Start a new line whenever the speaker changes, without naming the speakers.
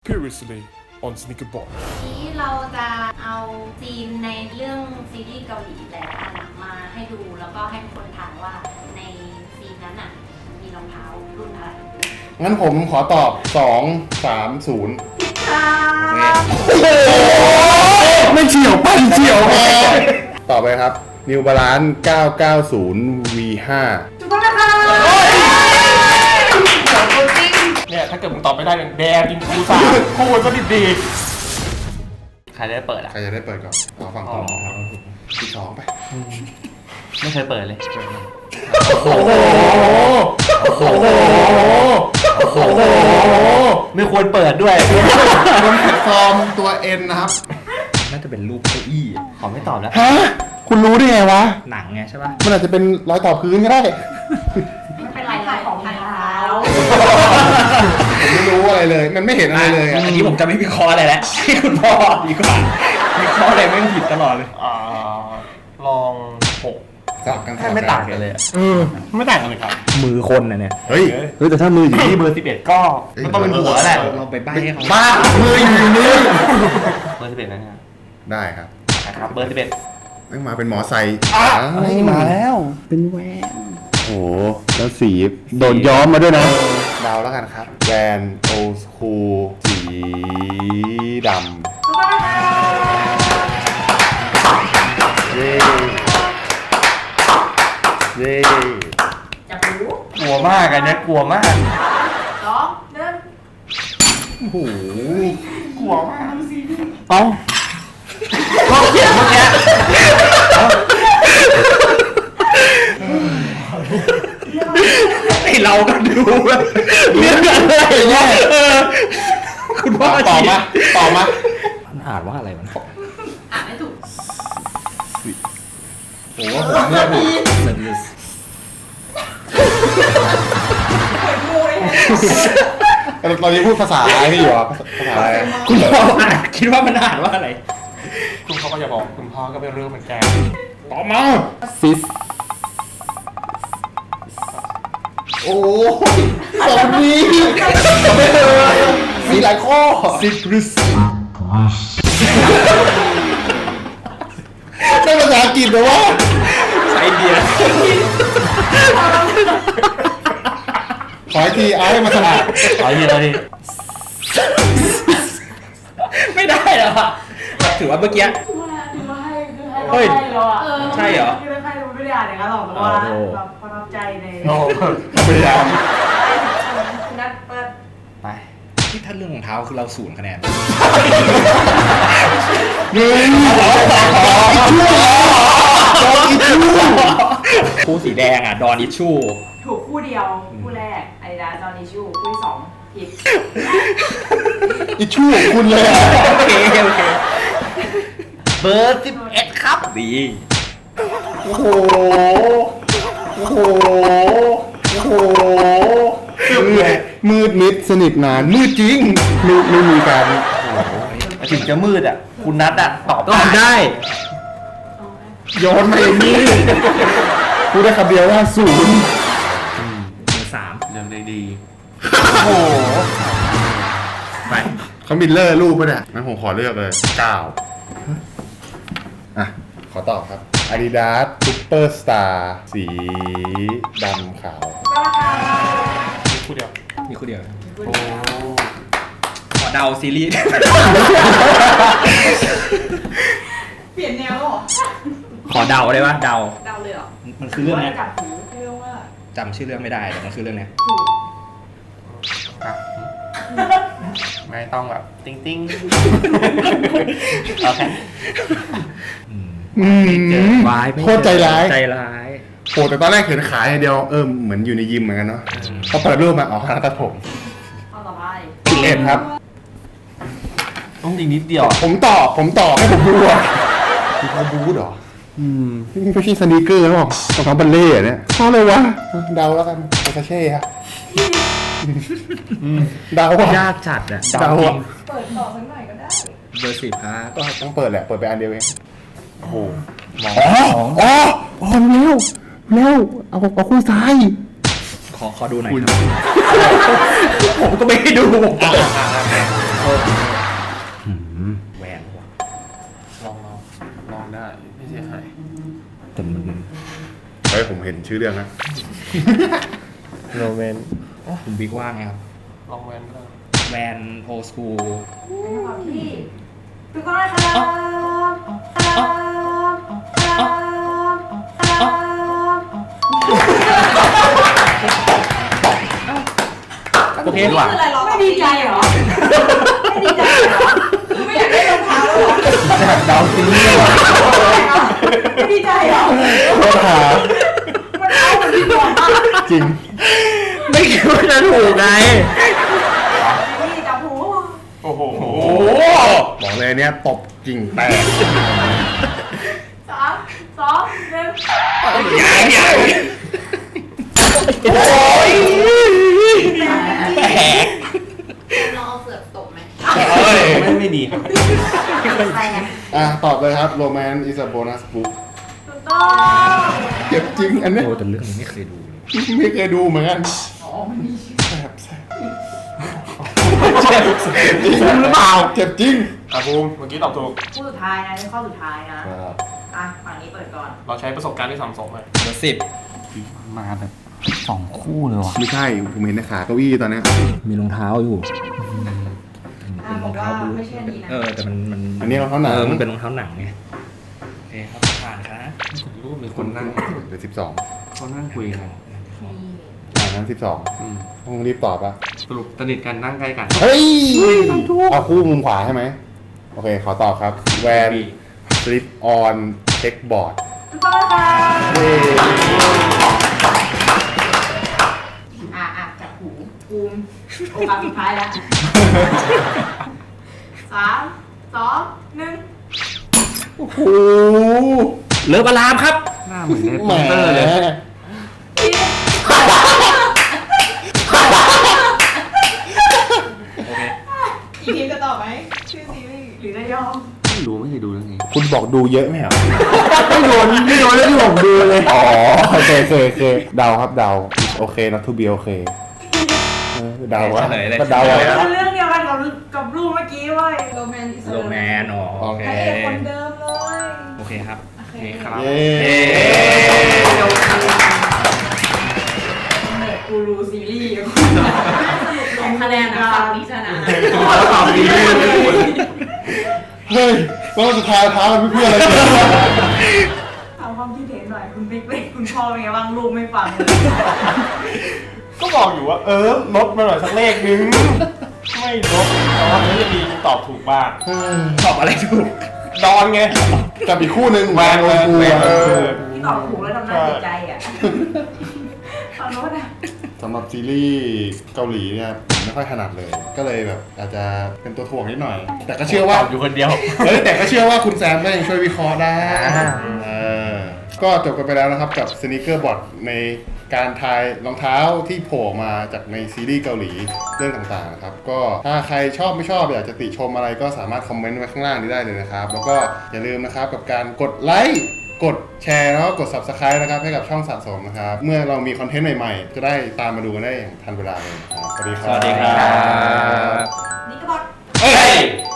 Previously on Sneaker Box
นี้เราจะเอาซีนในเรื่องซีรีส์เกาหลีหลายๆอันมาให้ดูแล้วก็ให้คนถามว่าในซีนนั้นมีรองเท้ารุ่นอะไร
งั้นผมขอตอบ 2 3 0 ไม่เฉียวปั้นเฉียวแพ้ต่อไปครับ New Balance 990 V5
ถูกต้องนะคะ
เนี่ยถ้าเกิดมึงตอบไม่ได้เนี่ยแดงจริงกูสาพูดซะดี
ใครได้เปิดอ่ะ
ใครจะได้เปิดก่อนเอาฝั่งตรงครับที่สองไป
ไม่เคยเปิดเลย
โอ้โหโอ้โหโอ้โห
ไม่ควรเปิดด้วย
บนแพลตฟอร์มตัว N นะครับ
น่าจะเป็นรูปเก้าอี้
ขอไม่ตอบแล้ว
ฮะ คุณรู้ได้ไงวะ
หนังไงใช่ป่ะ
มันอาจจะเป็นรอยต่อพื้นก็ได้
ไม่เป็นไรของเท้า
ผมไม่รู้อะไรเลย มันไม่เห็นอะไรเลยอะ
อันนี้ผมจะไม่วิเคราะห์อะไรแล้วให้คุณพ่อดีกว่าวิเคราะห์อะไรไม่ผิดตลอดเลย
ลอง6
สลับกัน
แค่ไม่ต่างกันเลยอะ
ๆไม่ต่างกันเลยครับ
มือคนนะเนี่ย
เฮ้ย
แต่ถ้ามืออยู่ที่เบอร์
11ก็ต้องเป็นหัวแหละ
เราไปใบ้ให้เขา
บ้ามืออยู่นี่
เบอร์11นะครับ
ได้ครับ
นะครับเบอร์11
ไม่มาเป็นหมอไซค์
มาแล้ว เป็นแหวน
โอ้โหแล้วสีโดนย้อมมาด้วยนะเดาแล้วกันครับแวนโอสคูสีดำ
ถูกต้องนะคะ
เย้เย้
จับหู
กลัวมากอันเนี้ยกลัวมาก
สองหนึ่ง
โอ้โห
กลัวมากเอ้าก็เขียนเมื่อกี้
ไอเราก็ดูแบบเรื่องอะไรเนี่ยคุณพ่อ
ต่อมาต่อมา
มันอ่านว่าอะไรวะ
อ่านไม่ถูก
โอ้โหผมเนี่ยผมตอนนี้พูดภาษาอะไรนี่อยู่อ่ะภาษาอะไร
คุณพ่ออ่านคิดว่ามันอ่านว่าอะไร
คุณพ่อก็จะบอกคุณพ่อก็ไม่รู้เหมือนกัน
ต่อมาซิสโอ้ยสองนี้มีหลายข้อซิตรุสได้ภาษาอังกฤษเหรอวะ
ไอเดีย
ขออีกทีเอาให้มันสะอาด
เอาทีละที
ไม่ได้หรอถือว่าเมื่อกี้ เฮ้ย ใช่เหรอ
คือใครไม่ได้อ่านอย่างนั้นหรอกแต่ว่าแบบประทับใจใน
โอ้พยายาม
นัดเปิด
ไป
ที่ถ้าเรื่องรองเท้าคือเรา0 คะแนน
หนึ่ง
คู่สีแดงอ่ะ ดอนอิชชู
ถูกคู่เดียว คู่แรกไอ้ดาจอนิชูคู่ที่สองผิด
อิชชูคุณเลยอ่ะ
โอเคโอเค
เบอร์11ครับ
ดี
โอ้โหโอ้โหโอ้โหมืดมิดสนิทนานมืดจริงไม่มีการ
ถึงจะมืดอ่ะ คุณนัทอ่ะตอบ
ตอบได้
โยนมาอย่างนี้พูดได้คำเดียวว่าศูนย์
เบอร์ 3
เรื่องได้ดีโอ้โห
ไป
เขามิลเลอร์รูปป่ะเนี่ยงั้นผมขอเลือกเลย9อ่ะขอตอบครับ Adidas Superstar สีดำขาว
คู่เดียว
มีคู่เดียว
โอ้
ขอเดาซีรีส์
เปลี่ยนแนวหรอ
ขอเดาได้ปะเดา
เดาเลยเหรอ
มันคือเรื่องเนี้ย
จับหูเรื่องว่า
จำชื่อเรื่องไม่ได้แต่มันคือเรื่องเนี้ย
ถูก
ครับไม่ต้องแบบติ้งติ้ง
โอเค
วายไม่
โคตรใจร้าย
ใจร้าย
โอ้แต่ตอนแรกเห็นขายอย่างเดียวเหมือนอยู่ในยิมเหมือนกันเนาะพอเปิดรูปมาอ๋อคณะตัดผม
เอาต่อไป
11ครับ
ต้องจริงนิดเดียวอะ
ผมตอบให้ผมดูอ่ะเขาบูธเหรอนี่ไม่ใช่สนีกเกอร์หรอกรองเท้าบัลเล่ต์เนี่ยเพราะอะไรวะเดาแล้วกันโอซาเช่ครับเดาว่ะ
ยากจัดอ่ะ
เดาอ่ะ
เปิดต่อสักหน่อยก็ได้
เบอร์ 10ครับ
ก็ต้องเปิดแหละเปิดไปอันเดียวเองโอ้โห
มอง
อ๋อเร็วเอาคู่ซ้าย
ขอดูหน่อยครับ ผมก็ไม่ได้ดูแหวนว่ะ
ลองได้ไม่เสียหาย
แต่มัน
เฮ้ยผมเห็นชื่อเรื่องนะ
โรแมน
คุณบิ๊กว่าไงครับ
ลองแวนก็ได้
แวนโอสคูล
เป็นคำตอบที่ถูกต้องนะครับ
โอเคดีกว่า
คืออะไรหรอไม่ดีใจเหรอไม่ดีใจเหรอไม่อยากได้รองเท้าแล้วเหรอ
ดาวซีรีส์
ไม่ดีใจเหรอ
โทษหา
มันเอาเหมือนที่บอกมาก
จริง
ไม่คิดว่าจะถูกไง
นี่จับหู
โอ้โห
โอ้
บอกเลยเนี่ยตบกิ่งแตก
3 2 1
ยัง
โอ้ย
แหก
ลองเอาเสือกตบไหม
ไม่ดีครับ
ตอบเลยครับ Romance is a bonus book
ถูกต้อง
เจ็บจริงอันเนี้ย
โอ้แต่เรื่องนี้ไม่เคยดูเลย
ไม่เคยดูเหมือนกันแสบจริงหรือเปล่าเจ็บจริง
ภูมิเมื่อกี้ตอบถูก
คู่สุดท้ายนะเป็นข้อสุดท้ายนะ อ่ะ ฝั่งนี้เปิดก่อน
เราใช้ประสบการณ์ที่สังสมมา
เบอร์10
มาแบบ2 คู่เลยว่ะ
ไม่ใช่ผมเห็นในขาเก้าอี้ตอนเนี้ย
มีรองเท้าอยู่
อ่ะบอกว่าไม่ใช่อันนี้นะ
แต่มัน
อันนี้รองเท้าหนัง
มันเป็นรองเท้าหนังไงโอเคครับผ่านครับ
รูปมีคนนั่ง
เดี๋ยว12
เขานั่งคุยกัน
งั้น12ต้องรีบตอบอ่ะ
สรุปสนิทกันนั่งใกล้กัน
เฮ้ยเอาคู่มุมขวาใช่ไหมโอเคขอตอบครับแวน slip on checkboard
ถูกต้องค่ะ
เย้
จับหูภูมิโอกาสสุดท้ายแล้ว 3 2 1
โอ้โห
เลิฟอารามครับ
หน้าเหมือนใน
แหม
โปสเตอร์เลย
โอเค
อีกทีจะตอบไหมชื่อซีรีส์หรือจะยอม
ไม่รู้ไม่เคยดูเรื่องนี้
คุณบอกดูเยอะไหมเหรอ
ไม่โดนแล้วที่ผมดูเลย
อ๋อโอเคเดาครับเดาโอเค not to be okay เดาว่า
เฉลยเลย
ก็เดา
เฉล
ว่าย
แล้ว
เรื่องเดียวกันกับรูปเมื่อกี้เว้ยโรแมนติส
โรแมนอ๋อโอเค
พระเอกคนเดิมเลย
โอเคครับ
โอเค
ครับ
เย้
เย้
เน็ตกูรูซีรีส์แต่คะแนนนะฝั่งนี้ชนะ
ตอบดี
เฮ้ยก็สุดท้ายท้ามันเพื่ออะไรเนี่ย
ถามความคิดเห็นหน่อยคุณบิ๊กเป็นคุณพ่อเป็นไงบ้างลูกไม่ฟังเลย
ก็บอกอยู่ว่าลดมาหน่อยสักเลขนึง ไม่ลดแต่ว่าไม่ได้ดีตอบถูกบ้าง
ตอบอะไรถูก
ดอนไง
กับอีกคู่หนึ่งแวนโอฟู
ที่ตอบถูกแล้วทำหน้าเสียใจอ่ะตอนโน้นอ่ะ
สำหรับซีรีส์เกาหลีเนี่ยผมไม่ค่อยถนัดเลย ก็เลยแบบอาจจะเป็นตัวถ่วงนิดหน่อย แต่ก็เชื่อว่า
ตอบอยู่คนเดียว
แต่ก็เชื่อว่าคุณแซมก็ยังช่วยวิเคราะห์ได้ก็จบกันไปแล้วนะครับกับสนิเกอร์บอทในการทายรองเท้าที่โผล่มาจากในซีรีส์เกาหลีเรื่องต่างๆนะครับก็ถ้าใครชอบไม่ชอบอยากจะติชมอะไรก็สามารถคอมเมนต์ไว้ข้างล่างนี้ได้เลยนะครับแล้วก็อย่าลืมนะครับกับการกดไลค์กดแชร์แล้วก็กด Subscribe นะครับให้กับช่องสะสมนะครับเมื่อเรามีคอนเทนต์ใหม่ๆ จะได้ตามมาดูกันได้อย่างทันเวลาเลยนะครับสวัสดีครับ
สวัสดีครับ
นี่ก็บอก
เฮ้ย